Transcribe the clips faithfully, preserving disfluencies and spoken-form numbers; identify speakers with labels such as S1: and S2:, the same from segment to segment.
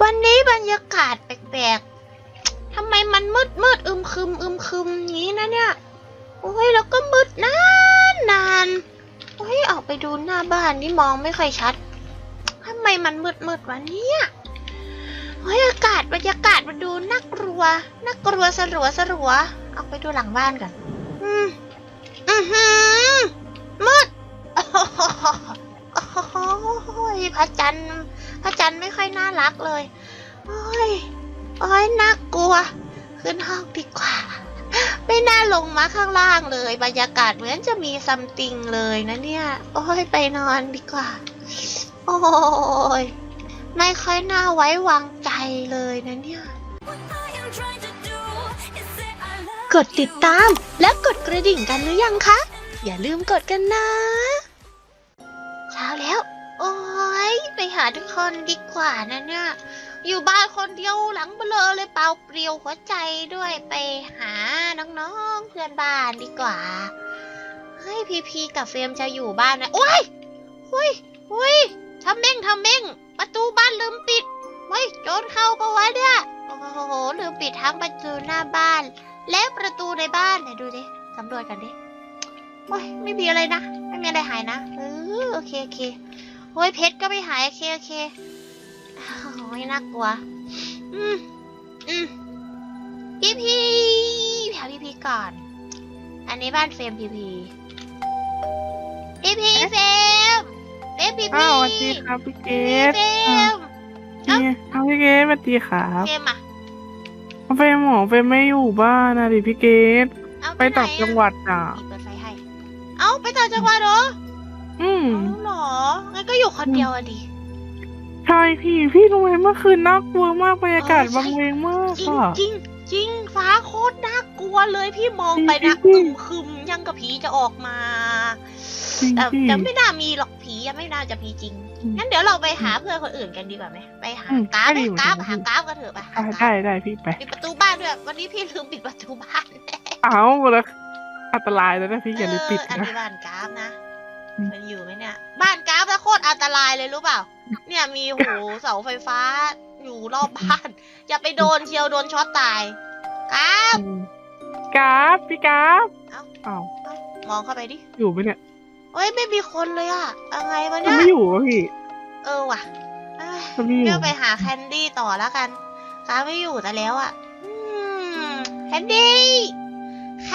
S1: วันนี้บรรยากาศแปลกๆทำไมมันมืดมืดอึมครึมอึมครึมอย่างนี้นะเนี่ยโอ้ยแล้วก็มืดนานนานโอ้ยออกไปดูหน้าบ้านนี่มองไม่ค่อยชัดทำไมมันมืดมืดวันนี้โอ้ยอากาศบรรยากาศมันดูน่ากลัวน่ากลัวสลัวสลัวออกไปดูหลังบ้านกันอืมอือหือมืดโอ้ยพระจันทร์พระจันทร์ไม่ค่อยน่ารักเลยโอ้ยโอ้ยน่ากลัวขึ้นห้องดีกว่าไม่น่าลงมาข้างล่างเลยบรรยากาศเหมือนจะมีซัมติงเลยนะเนี่ยโอ้ยไปนอนดีกว่าโอ้ยไม่ค่อยน่าไว้วางใจเลยนะเนี่ยกดติดตามและกดกระดิ่งกันหรือยังคะอย่าลืมกดกันนะเช้าแล้วโอ้ยไปหาทุกคนดีกว่านะเนี่ยอยู่บ้านคนเดียวหลังเบลอเลยเปล่าเปลี่ยวหัวใจด้วยไปหาน้องๆเพื่อนบ้านดีกว่าเฮ้ยพีพีกับเฟรมจะอยู่บ้านนะโอ้ยหุยหุยทำเม่งทำเม่งประตูบ้านลืมปิดเฮ้ยโจรเข้าปะวะเนี่ยโอ้โหลืมปิดทั้งประตูหน้าบ้านและประตูในบ้านไหนดูดิสำรวจกันดิโอ้ยไม่มีอะไรนะไม่มีอะไรหายนะเออโอเคโอเคโอ้ยเพชรก็ไม่หายโอเคโอเคโอ้ยน่ากลัวอืมอืมพี่พีหาพี่พีก่อนอันนี้บ้านเฟรมพี่พีพี่พีเฟรมเฟรมพี่พี
S2: อ้าวสวัสดีครับพี่เกด
S1: เฟรม
S2: นี่เอาพี่เกดสวัสดีครับ
S1: เฟรมอะ
S2: เฟรมหมอเฟรมไม่อยู่บ้านนะดิพี่เกด
S1: เอา
S2: ไปต่างจังหวัดอ่ะ
S1: เปิดไฟให้เอาไปต่างจังหวัดเหรอ
S2: อืม
S1: เอาเหรองั้นก็อยู่คนเดียวอะดิ
S2: ใช่พี่พี่รู้ไหมเมื่อคืนน่ากลัวมากบรรยากาศบังเวงมาก
S1: จริง
S2: อ่ะ
S1: จริงจริงฟ้าโคตรน่ากลัวเลยพี่มองไปนะ
S2: จริ
S1: อึ
S2: ง
S1: มครึมยังกับผีจะออกมา
S2: จริง
S1: แต่
S2: พี่
S1: แต่ไม่น่ามีหรอกผียังไม่น่าจะมีจริง
S2: อืม
S1: งั้นเดี๋ยวเราไปหาเพื่อนคนอื่นกันดีกว่าไหมไปหา
S2: อืม
S1: กราฟ
S2: ได้
S1: ไหม
S2: อยู่
S1: กราฟ
S2: ได้
S1: หากราฟกันเถอะไปหา
S2: ได้
S1: กรา
S2: ได้
S1: ฟ
S2: ได้พี่ไป
S1: ปิดประตูบ้านด้วยวันนี้พี่ลืมปิดประตูบ้าน
S2: เอาแล้วอันตรายแล้วนะพี่อย่าลืมปิด
S1: เอออัน
S2: นะ
S1: นี้บ้านกราฟนะ
S2: อืม
S1: มันอยู่ไหมเนี่ยบ้านกราฟแล้วโคตรอันตรายเลยรู้เปล่า เนี่ยมีโหเสาไฟฟ้าอยู่รอบบ้าน อย่าไปโดนเชียวโดนช็อตตายกราฟ
S2: อืมกราฟพี่กราฟ
S1: เอ้า
S2: อ้าว
S1: เอ้ามองเข้าไปดิ
S2: อยู่ไหมเนี่ย
S1: เฮ้ยไม่มีคนเลยอะอะไรวะ
S2: มัน
S1: เนี่ย
S2: ไม่อยู่วะพี่
S1: เออว่ะเอ้ย
S2: มันไม่อยู่
S1: เดี๋ยวไปหาแคนดี้ต่อแล้วกันกราฟไม่อยู่แต่แล้วอะอืมแคนดี้แคน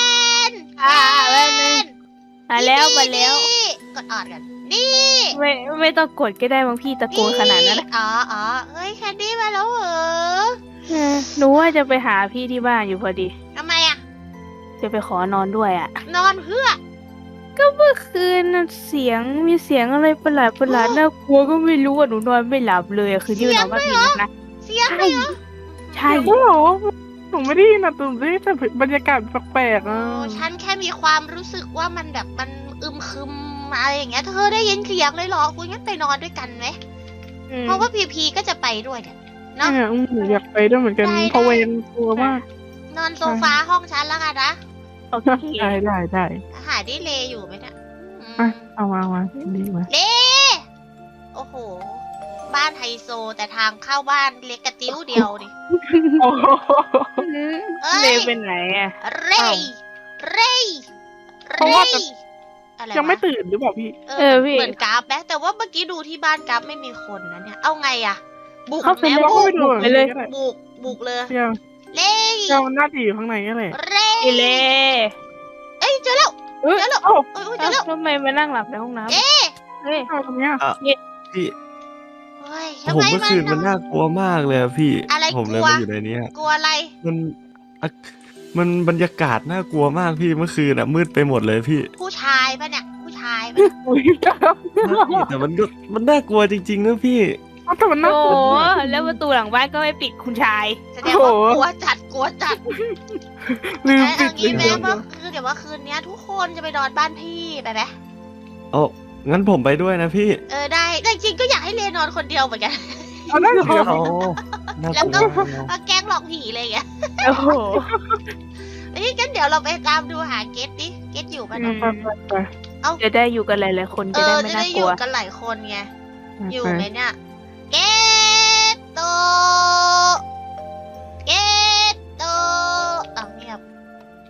S3: อ่า
S1: แค
S3: แป๊บนึง
S1: น
S3: มาแล้วมาแล้ว
S1: นี่กดออดกันนี่
S3: ไม่ไม่ต้องกดก็ได้บางพี่ตะโกนขนาดนั้นนะ
S1: อ๋ออ๋อเฮ้ยแคนดี้มาแล้วเหรอ
S3: เออหนูว่าจะไปหาพี่ที่บ้านอยู่พอดี
S1: ทำไมอะ
S3: จะไปขอนอนด้วยอ่ะ
S1: นอนเพื่อ
S3: ก็เมื่อคืนน่ะเสียงมีเสียงอะไรประหลาดประหลาด
S1: อ๋อ
S3: น่ากลัวก็ไม่รู้อ่ะหนูนอนไม่หลับเลยอะคืนที่ไปนอนบ้านพี่นัทนะ
S1: เสียงเลยเหรอ
S3: ใช่
S2: โอ้โหหนูไม่ได้ยินนะตื่นได้แต่บรรยากาศแปลกๆ
S1: โอ้
S2: อ่ะ
S1: ฉันแค่มีความรู้สึกว่ามันแบบมันอึมครึมอะไรอย่างเงี้ยเธอได้ยินเสียงเลยเหรอคุยงั้นไปนอนด้วยกันไหม
S3: อืม
S1: เพราะว่าพีพีก็จะไปด้วยเนี่ยเนาะ
S2: เนี่ยอืมหนูอยากไปด้วยเหมือนกัน
S1: ได้
S2: เพราะ
S1: ได้
S2: เวนกลัวมาก
S1: นอนโซฟาห้องฉันแล้วกันนะ
S3: โอเค
S2: ได้ได้ได้
S1: หาได้เลอยู่ไหมเนี่ยอืม
S2: อ่ะเอามาเอามาดีมา
S1: เลโอ้โห บ้านไฮโซแต่ทางเข้าบ้านเล็กกระติ้วเดียวดิ
S2: โอ้โห
S1: เอ้ย
S3: เลเป็นไหนอ่ะ
S1: เร
S2: อ้าว
S1: ย์เรย์
S2: เพราะว่าจะ
S1: อะไร
S2: ยังไม่
S1: วะ
S2: ตื่นหรือเปล่าพี่
S1: เอ
S3: เอ
S1: อ
S3: อ
S1: เหมือน
S3: พี่
S1: เหมือนกราฟไหมแต่ว่าเมื่อกี้ดูที่บ้านกราฟไม่มีคนนะเนี่ย เอาไงอะบุก
S3: เข้าไป
S1: แม่
S3: เลย
S1: บุก
S2: ไปดู
S3: ไปเลย
S2: ก็ได้
S1: บุกบุกเลย
S2: เที่ยว
S1: เล่
S2: เที่ยวน่าจะอยู่ข้างในนี่แหละ
S1: เร่
S3: อีเล
S1: เอ้ยเจอแล้ว
S3: เอ้ย
S1: เจอแล้ว
S2: เอ้า
S1: เอ้ยเอ้ยเจ
S3: เอ้า
S1: อแล้ว
S3: ทำไมมานั่งหลับในห้องน้ำ
S1: เอ๊ะ
S3: เฮ้ย
S2: เอาตรงเนี้ย
S4: พี่
S1: เฮ้ย
S4: โอ้
S1: ทำ
S4: โห
S1: ไม
S4: เมื่อคืนมัน
S1: น
S4: น่ากลัวมากเลยอะพี่
S1: อะไร
S4: ผมเลย
S1: กลัว
S4: มาอยู่ในเนี้ย
S1: กลัวอะไร
S4: มันอะมันบรรยากาศน่ากลัวมากพี่เมื่อคืนอะมืดไปหมดเลยพี่
S1: ผู้ชายปะเนี่ย ผู้ชายปะเนี่ย
S2: อุ้ย
S4: พี่แต่มันก็มันน่ากลัวจริงๆนะพี่
S2: เอาแต่มันน่า
S3: โอ้
S2: กลัว
S3: โห
S2: มาก
S3: แล้วประตูหลังบ้านก็ไม่ปิดคุณชาย
S1: แสดงว่า
S2: โอ้โห
S1: กลัวจัดกลัวจัด
S2: ลืม
S1: เอ้ย
S2: ปิ
S1: เอา
S2: ดเล
S1: งี้
S2: ย
S1: แม่ว่าคือเดี๋ยวว่าคืนนี้ทุกคนจะไปนอนบ้านพี่ไปไหม
S4: โอ้งั้นผมไปด้วยนะพี่
S1: เออได้แต่จริงๆก็อยากให้เลนอนคนเดียวเหมือนกัน
S2: เอาได้เดี๋ยว
S4: โอ้น่า
S1: แล้ว
S4: ก
S1: ก็
S4: ลัว
S1: มาแกล้งหลอกผีอะไรอย่างเงี้ย
S3: โอ้โห
S1: เอ้ยงั้นเดี๋ยวเราไปตามดูหาเกตดิ เกตอยู่ปะ
S3: อื
S1: เนาะ
S3: ม
S2: ไปไปไป
S3: จะได้อยู่กันหลายๆคน
S1: เอ
S3: จะได้
S1: อ
S3: ไม่
S1: จะ
S3: น่า
S1: ได้อก
S3: ลั
S1: ยู่
S3: ว
S1: กันหลายคนไง อยู่
S2: ไป
S1: ไหมเนี่ย เกตโต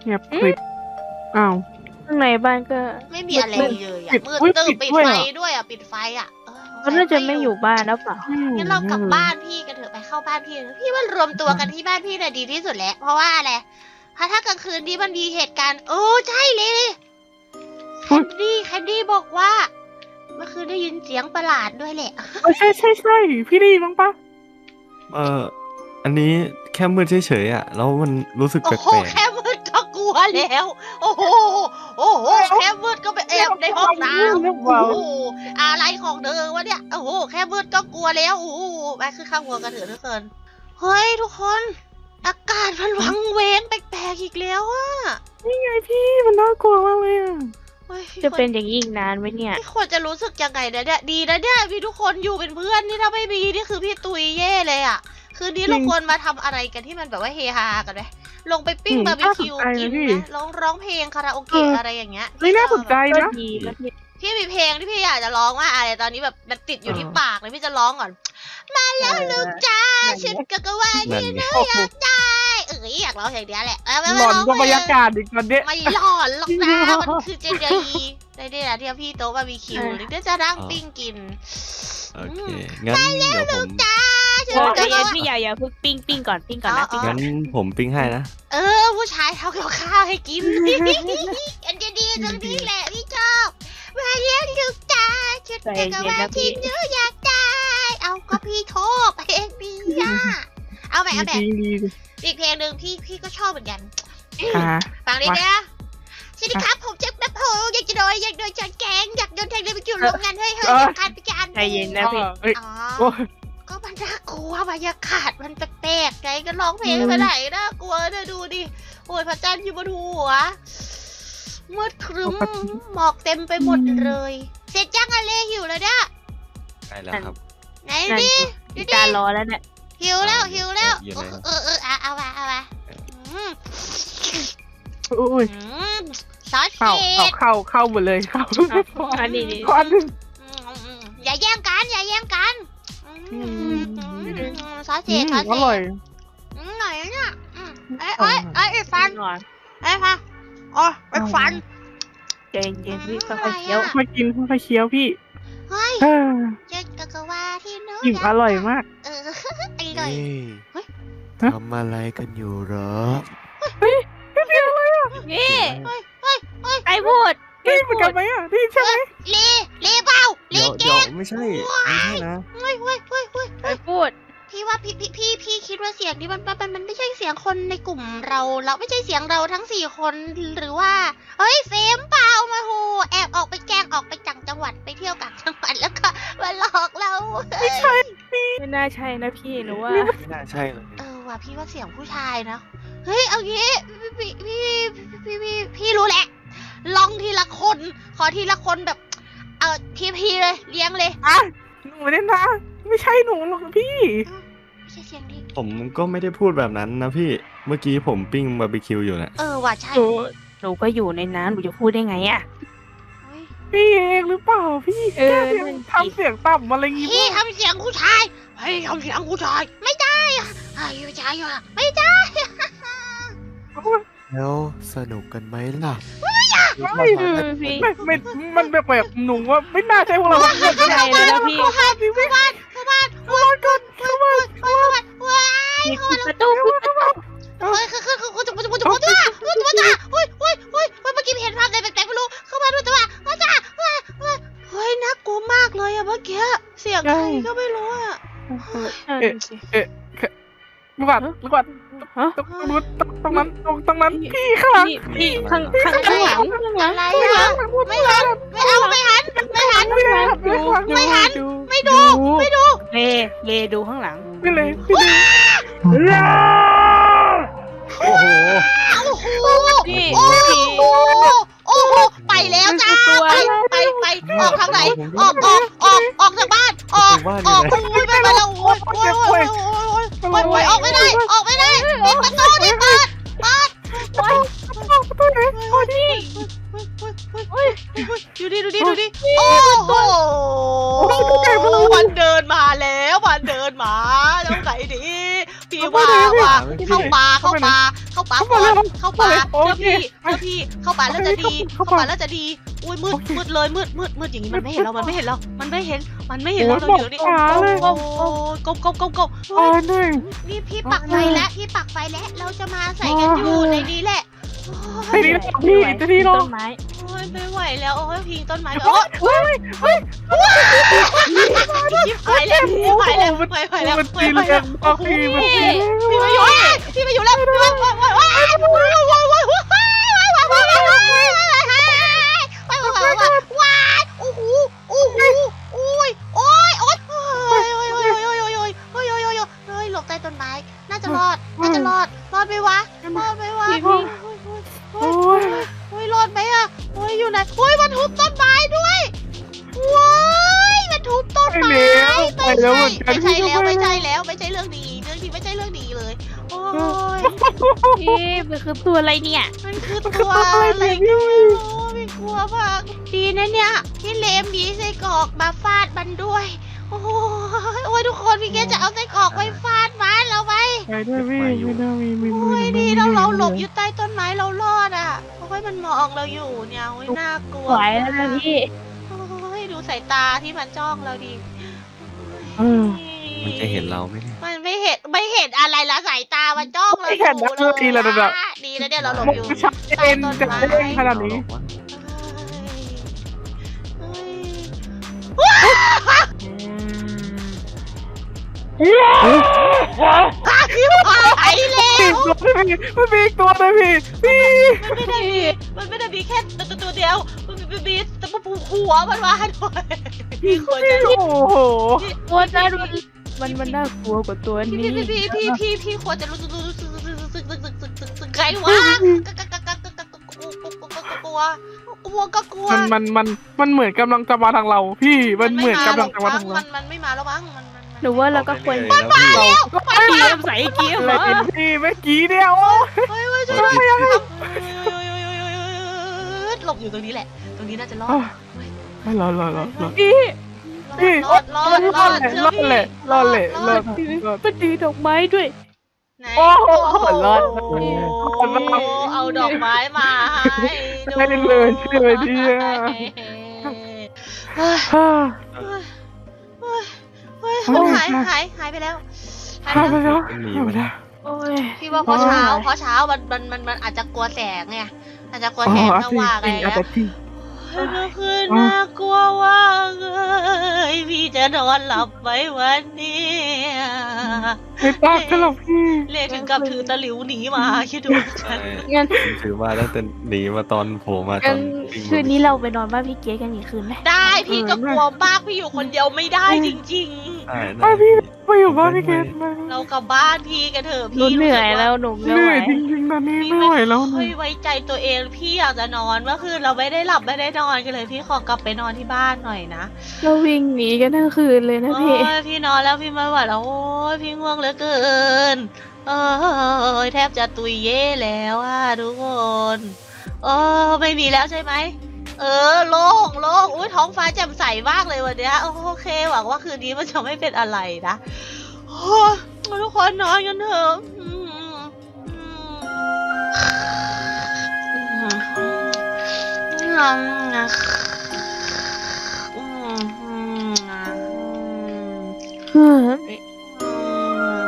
S2: เงียบกริบอ้าว
S3: ข้างในบ้านก็
S1: ไม่มีอะไรเลยอะ
S2: ปิด
S1: มืด
S2: อุ๊ย
S1: ตึ๊บ
S2: ปิ
S1: ปิด
S2: ดด้วย
S1: ไฟ
S2: เหรอ
S1: ด้วยอะปิดไฟอะเออ
S3: เขาน่าจะไม่อยู่บ้านแล้วเปล่า
S1: งั้นเรากลับบ้านพี่กันเถอะไปเข้าบ้านพี่เถอะพี่ว่ารวมตัวกันที่บ้านพี่น่ะดีที่สุดแล้วเพราะว่าอะไรเพราะถ้ากลางคืนนี้มันมีเหตุการณ์โอ้ใช่เลยแคนดี้แคนดี้บอกว่าเมื่อคืนได้ยินเสียงประหลาดด้วยแหละ
S2: เออใช่ใช่ใช่พี่ได้ยินบ้างปะ
S4: เอออันนี้แค่มืดเฉยๆอ่ะแล้วมันรู้สึก
S1: โอ้
S4: แป
S1: โห
S4: ลก
S1: แค่มืดก็กลัวแล้ว โอ้โหโอ้โหแค่มืดก็ไปแอบในห้องน้ำโอ้โหอะไรของเธอวะเนี่ยโอ้โหแค่มืดก็กลัวแล้วโอ้โหไปขึ้นข้างหัวกันเถอะทุกคนเฮ้ยทุกคน อากาศมันวังเวงแปลกๆอีกแล้วอะ
S2: นี่ไงพี่มันน่ากลัวมากเลยอ่ะ
S1: เฮ้ย
S3: จะเป็นอย่างนี้อีกนานไหมเนี่ย
S1: พี่ควรจะรู้สึกยังไงนะเนี่ยดีนะเนี่ยมีทุกคนอยู่เป็นเพื่อนนี่ถ้าไม่มีนี่คือพี่ตุยเย่เลยอะคืนนี้เราควรมาทำอะไรกันที่มันแบบว่าเฮฮากันไหมลงไปปิ้งบาร์บีคิวกินไหมร้องร้องเพลงคาราโอเกะอะไรอย่างเงี้ย
S2: ไม่น่าสนใจ
S3: ก็
S2: นะ
S3: ดีนะพี่
S1: พี่มีเพลงที่พี่อยากจะร้องว่าอะไรตอนนี้แบบมันติดอยู่ที่ปากเลยพี่จะร้องก่อน มาแล้วลูกจ้าฉันก็กะว่า
S4: ๆนั่น
S1: ที่
S4: ไง
S1: น่าอยากได้เอ้ยอยากร้องอย่างเดียวแหละเอ้ยไม่
S2: ห
S1: ไม่
S2: ลอน
S1: ร้อง
S2: ก็บรรยากาศอีกตอนเนี้ย
S1: ไม่หลอนหรอกนะมันคือเจเจอีได้ได้นะที่พี่โต๊ะบาร์บีคิวหรือเดี๋ยวจะนั่งปิ้งกิน
S4: โอเคงั้นเดี๋ยวผม
S1: จ้าฉัน
S3: เออ
S1: ก็
S3: พี่
S1: กะว่า
S3: พี่อย่าอย่าเพิ่งปิ้งปิ้งก่อนปิ้งก่อนนะปิ้งก่อน
S4: งั้นผมปิ้งให้นะ
S1: เออผู้ชายทำกับข้าวให้กินอันจะดีตรงนี้แหละพี่ชอบมาเลี้ยงลูกจ้าฉันก็กะว่าที่หนูอยากได้เอาก็พี่ชอบเพลงดีอ่ะเอาแบบเอาแบบ
S2: ดีดีดี
S1: อีกเพลงหนึ่งพี่พี่ก็ชอบเหมือนกัน
S2: อ่า
S1: ฟังดีนะสวัสดีครับผมเจ็บแบบโผอยากจะโดนอยากโดนฉันแกงอยากโดนแทงเลยไปอยู่โรงงานเฮ้ยเฮ้ยอยากการไปการ
S3: ใจเย็นนะพี่
S2: เอ้ย
S1: อ๋อ
S2: โอ้ย
S1: ก็มันน่ากลัวบรรยากาศมันแปลกๆไงก็ร้องเพลงไปไหนน่ากลัวเธอดูดิโอ้ยพระจันทร์อยู่บนหัวมืดครึ้มหมอกเต็มไปหมดเลย เสร็จยังอะเลหิวแล้วเนี่ย
S4: ได้แล้วครับ
S1: ไหน
S3: นั่น
S1: ดิ
S3: พี่การรอแล้วเนี่ย
S1: หิวแล้วหิวแล้ว
S4: อยู่ไหนครับ
S1: เออเออเอาเอามาเอามาอืม
S2: โอ้ย
S1: อืมซอส
S2: เข้า
S1: เผ็
S2: เข้า
S1: ด
S2: เข้าเข้าหมดเลยเข้า
S3: อันนี้นี่
S2: ควันหนึ่ง
S1: อืมอืมอย่าแย่งกันอย่าแย่งกันอืม
S2: อืม
S1: อืมซอส
S2: อื
S1: เผ็ด
S2: ม
S1: ซอส
S2: อ
S1: เผ็
S2: ร่อย
S1: ดอืมหน่อยนะเนี่ยอืมเอ้ยเอ้ยเอ้ยไอ้ฟัน
S3: ก่อน
S1: เอ้ยฟันอ๋อไอ้ฟัน
S3: ใจเย็นพี่ค่อยๆเคี้ยว
S2: มากินค่อยๆเคี้ยวพี่
S1: เฮ้ย
S2: เออ
S1: เจ๊กกะว่าที่หนู้
S2: อิ่มอร่อยมาก
S1: เอออร่อย เฮ้ย
S4: ทำอะไรกันอยู่เหรอ
S3: นี่
S1: เฮ้ยเฮ้ยเฮ้ย
S3: ไอ้พูด
S2: นี่เหมือนกันไหมอ่ะนี่ใช่ไหม
S1: เลเลเปล่าเล
S4: เดี๋ยว
S1: เก
S4: เดี๋ยว
S1: ง
S4: ไม่ใช่ไม่ใช่นะ
S1: เฮ้ยเฮ้ยเฮ้ยเฮ้ย
S3: ไอ้พูด
S1: พี่ว่าพี่พี่พี่พี่คิดว่าเสียงนี้มันมันมันไม่ใช่เสียงคนในกลุ่มเราเราไม่ใช่เสียงเราทั้งสี่คนหรือว่าเฮ้ยเฟมเปล่ามาโหแอบออกไปแกล้งออกไปจังจังหวัดไปเที่ยวต่างจังหวัดแล้วก็มาหลอกเราไม่ใช่
S3: ไม่น่าใช่นะพี่หนูว่า
S4: ไม่น่าใช่เลย
S1: เออว่ะพี่ว่าเสียงผู้ชายนะเฮ้ยเอางี้พี่พี่พี่พี่พี่พี่รู้แหละ ลองทีละคน ขอทีละคนแบบ เออทีพีเลยเลี้ยงเลย
S2: อ่ะหนูเนี่ยนะไม่ใช่หนูหรอกพี่
S1: ไม่ใช่เสียงดี
S4: ผมก็ไม่ได้พูดแบบนั้นนะพี่เมื่อกี้ผมปิ้งบาร์บีคิวอยู่นะ
S1: เออว่ะใช่
S3: หนูหนูก็อยู่ในน้ำหนูจะพูดได้ไงอะ
S1: เฮ้ย
S2: พี่เองหรือเปล่าพี่
S3: เออ
S2: แค่เสียงทำเสียงต่ำอะไรงี้
S1: พี่ทำเสียงผู้ชายพี่ทำเสียงผู้ชาย ไม่ได้อะไอ้ไม่ใช่อะไม่ได้
S5: แล้วสนุกกันไหมล่ะ
S2: ไม่
S3: อืมพี่
S2: ไม่ไม่มันแบบแบบหนูว่าไม่น่าใช่พวกเราทั้งหมด
S3: ใช่เลยนะพี่
S1: เข้าบ้านเข้าบ้านเข้าบ้านเข้าบ้านก่อนเข้าบ้านเข้าบ้านว้าย
S3: ปิดประตูปิดประตู
S1: เฮ้ยคือคือคือคือจะจะจะจะจะจะจะเฮ้ยเฮ้ยเฮ้ยเฮ้ยเฮ้ยเมื่อกี้เห็นภาพอะไรแปลกๆไม่รู้เข้ามาด้วยแต่ว่าว่าจ้าว่าว่าเฮ้ยน่ากลัวมากเลยอะเมื่อกี้เสียงใครก็ไม่รู้อะ
S2: เอ๊ะเอ๊ะลูกบัตรลูกบัตร
S3: ฮะ
S2: ตรงนู้นตรงนั้นตรงตรงนั้นพี่ข้างหลัง
S3: พี่พี่ข้างข้างข้างหลังข้างหลัง
S1: อะไรอะไม่หันไม่เอาไม่หันไม่หัน
S2: ไม่ได้ครับไม่ฟัง
S1: ไม่หัน ไม่ดูไม่ดู
S3: เลเลดูข้างหลัง
S2: ไม่เลยไม่เลย
S4: โอ้โห
S1: โอ้โห
S3: พี่
S1: โอ้
S3: พี่
S1: โหโอ้โหไปแล้วจ้าไปไปไปออกทางไหนออกออกออกออกจากบ้านออกออกโอ้ยไปแล้วโอ้ยโอ้ยโอ้ยโอ้ยโอ้ยโอ้ยออกไม่ได้ออกไม่ได้ปิดประตูดิเปิดเปิด
S2: ตัวไหนโอ้ดิ
S1: ดูดิดูดิดูดิโอ้โหมันเดินมาแล้วมันเดินมาแล้วไหนดิผีว่า
S2: เข้าไปเลย
S1: ว่า
S2: พี่
S1: เข้าป่าเข้าป่าเข้าป่า
S2: เข้า
S1: ก่
S2: มา
S1: อน
S2: เลย
S1: เข้าป่า
S2: โอ
S1: เจ้า
S2: เค
S1: พี่เจ้าพี่เข้าป่าแล้วจะดี
S2: เข้า
S1: เข้า
S2: ป่า
S1: ป่าแล้วจะดีอุ้ยมืด
S2: โอเค
S1: มืดเลยมืดมืดมืดอย่างนี้มันไม่เห็นเรามันไม่เห็นเรามันไม่เห็นมันไม่เห็นเรา
S2: โอ้
S1: เรา
S2: ย
S1: อยู่นี่
S2: บอกช้าเลย
S1: โอ้โอ้กบกบกบกบ
S2: อ่าหนึ่ง
S1: นี่พี่ปักไฟแล้วพี่ปักไฟแล้วเราจะมาใส่กันอยู่ในนี้แหละโอ้
S2: ไอ้
S1: ย
S2: นี่พี่จะที่รอ
S3: ต้นไม้
S1: โอ้ยไม่ไหวแล้วโอ้ยพิงต้นไม้โอ้ย
S2: เฮ้ยเฮ้ย
S1: ชิบหายแล้วชิบหายแล้วไปไปแล้ว
S2: มัน
S1: ไป
S2: ตี
S1: ไป
S2: แร
S1: แล้ว
S2: งมากพี่มันตีแรง
S1: พี่มาอยู่แล้วพี่มาอยู่แล้วว้ายว้ายว้ายว้ายว้ายว้ายว้ายว้ายว้ายว้ายว้ายว้ายว้ายว้ายว้ายว้ายว้ายโอ้โหโอ้โหโอ้ยโอ้ยโอ้ยโอ้ยโอ้ยโอ้ยโอ้ยโอ้ยโอ้ยโอ้ยโอ้ยโอ้ยโอ้ยหลบใต้ต้นไม้น่าจะรอดน่าจะรอดรอดไหมวะรอดไหมวะโอ้ยโอ้ยโอ้ยรอดไหมอะโอ้ยอยู่ไหนโอ้ยมันทุบต้นไม้ด้วยว้ายมันทุบต้น
S2: ไป
S1: ไม้
S2: แล้วไป
S1: ไม่
S2: แล้ว
S1: ใช่
S2: เหมือนกัน
S1: ไม่ใช่แล้วไม่ใช่
S2: พี่
S1: แล้วไม่ใช่เรื่องดีเรื่องนี้ไม่ใช่เรื่องดีเลยโอ้ย
S3: พี่มันคือตัวอะไรเนี่ย
S1: มันคือตัวอะไรก็ไม่รู้ไม่กลัวมากดีนะเนี่ยที่เลมดีไส้กรอกมาฟาดมันด้วยโอ้ยโอ้ยทุกคนพี่เกจะเอาไส้กรอกไปฟาดมันเราไป
S2: ไปด้วยพี่ไม่ได้มีมี
S1: โอ้ยดีเราเราหลบอยู่ใต้ต้นไม้เรารอดอ่ะโอ้ยมันมองเราอยู่เนี่ยโอ้ยน่ากลัว
S3: ไหวแล้วนะพี่
S1: โอ้ยดูสายตาที่มันจ้องเราดิ
S2: เออ
S4: มันจะเห็นเราไหมเนี่ย
S1: มันไม่เห็นไม่เห็นอะไรละสายตามันจ้องเรา
S2: ไม่เห็นนะ
S1: อยู่
S2: ดีแล้วนะ
S1: อะดีแล้วเนี่ยเราหลบ
S2: มุก
S1: อยู่
S2: ชัดเจนจะเด้งขนาดนี้
S1: พี่หายเลย
S2: อีกตัวนึงพี่มันมีอีกตัวนึงพี่พี่
S1: มันไม่ได้มีมันไม่ได้มีแค่ตัวตัวตัวเดียว มันมีมีแต่มันผูหัวมันมาด้วยพี่ควรจะ
S2: โอ้โห
S3: ตัวนั้นมันมันมันน่ากลัวกว่าตัว
S1: พี่
S3: นี้
S1: พี่พี่พี่พี่พี่ควรจะรู้สึกรู้สึกรู้สึกรู้สึกรู้สึกรู้สึกรู้สึกไงวะกะกะกะกะกะกะกลัวกลัวก็กลัว
S2: มันมันมันมันเหมือนกำลังจะมาทางเรา พี่มันเหมือนกำลังจะมาทางเรา
S1: มันมันไม่มาแล้วมั้งมันมัน
S3: หรือว่าเราก็ควร
S4: ไปเรื่อยๆแล้ว
S3: เกียมใส่เกียม
S2: อะไรกินพี่เมื่อกี้เนี่ยโอ้
S1: เฮ้ยเฮ้ยช่วยด้วยหลบอยู่ตรงนี้แหละ ตรงนี้น่าจะรอด
S2: ไม่รอดรอดรอดรอด
S3: พี่
S1: รอดรอดรอด
S2: รอดเลยรอดเลยรอด
S3: มันถือดอกไม้ด้วย
S1: ไหน
S2: โอ้โหรอด
S1: โอ้เอาดอกไม้มาให้
S2: ได้เลยเลยดีอ่ะ
S1: เฮ้ย
S2: ฮ่า
S1: เฮ้ยเฮ้ยหายหายหายไปแล้วหาย
S2: ฮ่า
S1: ไป
S2: ไป
S1: แล้ว
S2: แล้วฮ่าไปแล้ว
S3: โอ้ย
S1: พี่ว่าเพราะเช้าเพราะเช้ามันมันมันมันอาจจะกลัวแสงไงอาจจะกลัวแสงสว่างอะไร
S2: อาจ
S1: นะ
S2: จะจริง
S1: เมื่อคืนน่ากลัวว่ากเลยพี่จะนอนหลับไหมวันนี้
S2: ไม่ตากันหรอกพี่
S1: เล่ถึงกับถือตะหลิวหนีมาคิดดูฉัน
S3: งั้น
S4: ผมถือมาตั้งแต่หนีมาตอนโผล่มาต
S3: งั้
S4: อน นวิ่ง
S3: คืนนี้เราไปนอนบ้านพี่เก๋กันอีกคืนไหม
S1: ได้พี่ก็กลัวมากพี่อยู่คนเดียวไม่ได้จริง
S4: ใช่
S2: ไอพี่ไปอยู่บ้านพี่เกดมา
S1: ๆ เรากลับบ้านพี่กันเถอะ
S3: หนู
S1: พี่
S3: เหนื่อยแล้วหนู
S2: เห
S3: ไม่ไหว
S2: นื่อยจริงๆตอนนี้
S1: พี่
S2: ไม่ไหวแล้วหนู
S1: ค่อยไว้ใจตัวเองพี่อยากจะนอนเมื่อคืนเราไม่ได้หลับไม่ได้นอนกันเลยพี่ขอกลับไปนอนที่บ้านหน่อยนะ
S3: เราวิ่งหนีกันทั้งคืนเลยนะ
S1: โอ้
S3: พี่
S1: ยพี่นอนแล้วพี่ไม่ไหวแล้วโอ้ยพี่ง่วงเหลือเกินเออแทบจะตุยเย่แล้วอ่ะทุกคนเออไม่มีแล้วใช่ไหมเออโล่งโล่งอุ้ยท้องฟ้าแจ่มใสมากเลยวันเนี้ยโอเคหวังว่าคืนนี้มันจะไม่เป็นอะไรนะโอ้ยทุกคนนอนกันเถอะอืมอืมอืมอืมอืมอืม
S3: เออ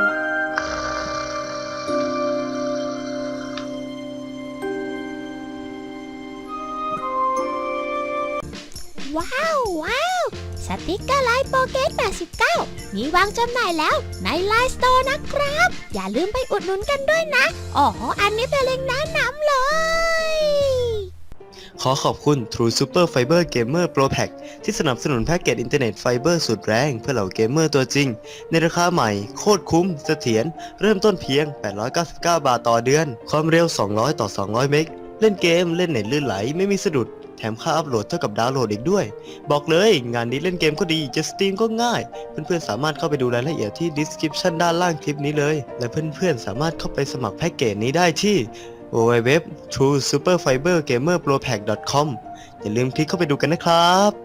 S6: ว้าวว้าวสติกเกอร์ไลน์โปเกตแปดสิบเก้ามีวางจำหน่ายแล้วในไลน์สโตร์นะครับ อย่าลืมไปอุดหนุนกันด้วยนะอ๋ออันนี้เป็นเล็งก์แนะนำเลย
S7: ขอขอบคุณ True Super Fiber Gamer Pro Pack ที่สนับสนุนแพ็กเกจอินเทอร์เน็ตไฟเบอร์สุดแรงเพื่อเหล่าเกมเมอร์ตัวจริง ในราคาใหม่โคตรคุ้มเสถียรเริ่มต้นเพียง แปดร้อยเก้าสิบเก้า บาทต่อเดือน ความเร็ว สองร้อย ต่อ สองร้อย เมก เล่นเกมเล่นเน็ตลื่นไหลไม่มีสะดุด แถมค่าอัพโหลดเท่ากับดาวน์โหลดอีกด้วย บอกเลยงานนี้เล่นเกมก็ดีจะสตรีมก็ง่าย เพื่อนๆสามารถเข้าไปดูรายละเอียดที่ description ด้านล่างคลิปนี้เลย และเพื่อนๆสามารถเข้าไปสมัครแพ็กเกจนี้ได้ที่ ดับเบิลยู ดับเบิลยู ดับเบิลยู ดอท ทรู ซูเปอร์ ไฟเบอร์ เกมเมอร์ โปร แพ็ก ดอท คอม อย่าลืมคลิกเข้าไปดูกันนะครับ